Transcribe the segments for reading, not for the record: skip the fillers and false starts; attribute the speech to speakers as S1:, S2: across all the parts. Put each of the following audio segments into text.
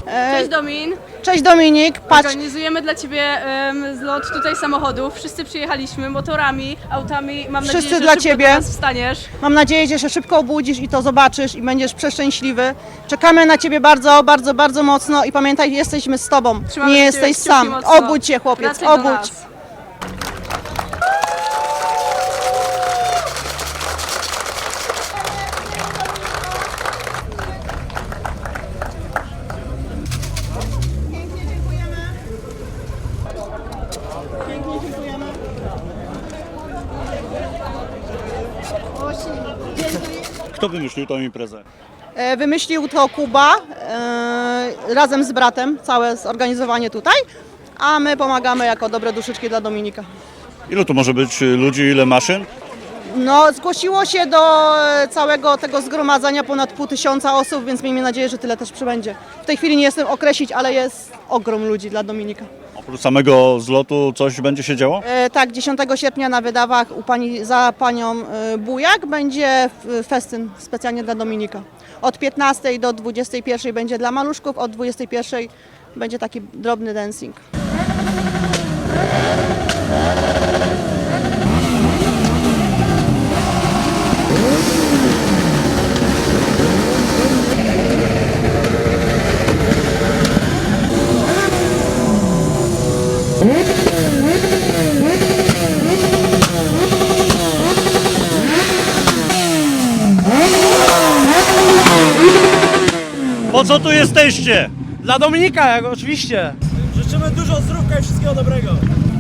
S1: Cześć Domin.
S2: Cześć Dominik, patrz,
S1: Organizujemy dla Ciebie zlot tutaj samochodów. Wszyscy przyjechaliśmy motorami, autami. Mam
S2: Wszyscy
S1: nadzieję, że
S2: dla
S1: szybko
S2: Ciebie.
S1: do nas wstaniesz.
S2: mam nadzieję, że się szybko obudzisz i to zobaczysz i będziesz przeszczęśliwy. Czekamy na Ciebie bardzo, bardzo, bardzo mocno i pamiętaj, jesteśmy z Tobą,
S1: Trzymamy
S2: nie
S1: za
S2: jesteś
S1: Ciebie kciuki
S2: sam.
S1: mocno.
S2: Obudź się chłopiec,
S1: Wracaj do
S2: obudź.
S1: nas.
S3: Kto wymyślił tą imprezę?
S2: Wymyślił to Kuba razem z bratem, całe zorganizowanie tutaj, a my pomagamy jako dobre duszyczki dla Dominika.
S3: Ilu tu może być ludzi, ile maszyn?
S2: No, zgłosiło się do całego tego zgromadzenia ponad 500 osób, więc miejmy nadzieję, że tyle też przybędzie. W tej chwili nie jestem określić, ale jest ogrom ludzi dla Dominika.
S3: Oprócz samego zlotu coś będzie się działo?
S2: Tak, 10 sierpnia na Wydawach za panią Bujak będzie festyn specjalnie dla Dominika. Od 15 do 21 będzie dla maluszków, od 21 będzie taki drobny dancing.
S3: Po co tu jesteście?
S4: Dla Dominika, jak oczywiście. Życzymy dużo zdrówka i wszystkiego dobrego.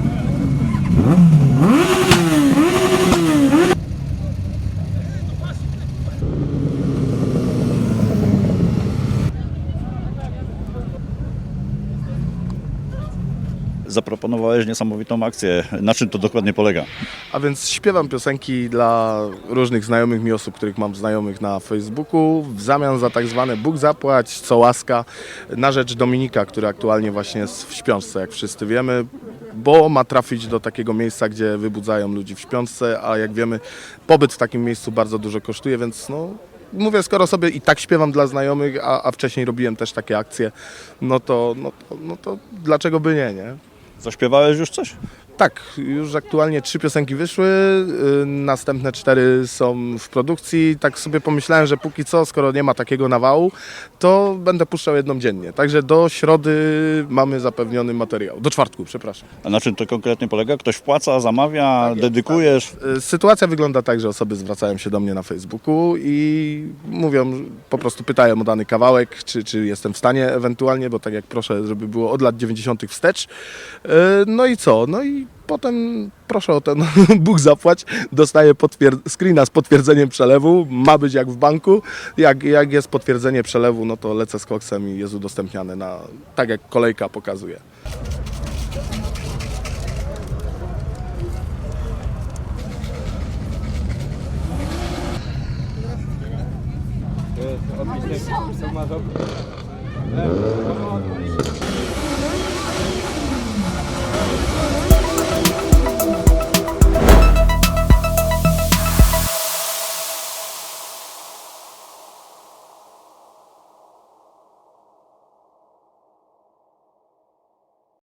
S3: Zaproponowałeś niesamowitą akcję. Na czym to dokładnie polega?
S5: A więc śpiewam piosenki dla różnych znajomych mi osób, których mam znajomych na Facebooku, w zamian za tak zwane Bóg zapłać, co łaska, na rzecz Dominika, który aktualnie właśnie jest w śpiączce, jak wszyscy wiemy, bo ma trafić do takiego miejsca, gdzie wybudzają ludzi w śpiączce, a jak wiemy, pobyt w takim miejscu bardzo dużo kosztuje, więc no, mówię, skoro sobie i tak śpiewam dla znajomych, a wcześniej robiłem też takie akcje, no to dlaczego by nie?
S3: Zaśpiewałeś już coś?
S5: Tak, już aktualnie 3 piosenki wyszły, następne 4 są w produkcji. Tak sobie pomyślałem, że póki co, skoro nie ma takiego nawału, to będę puszczał jedną dziennie. Także do środy mamy zapewniony materiał. Do czwartku, przepraszam.
S3: A na czym to konkretnie polega? Ktoś wpłaca, zamawia, dedykujesz?
S5: Sytuacja wygląda tak, że osoby zwracają się do mnie na Facebooku i mówią, po prostu pytają o dany kawałek, czy jestem w stanie ewentualnie, bo tak jak proszę, żeby było od lat 90. wstecz. No i co? No i potem proszę o ten Bóg zapłać, dostaję screena z potwierdzeniem przelewu, ma być jak w banku. Jak jest potwierdzenie przelewu, no to lecę z koksem i jest udostępniane tak jak kolejka pokazuje.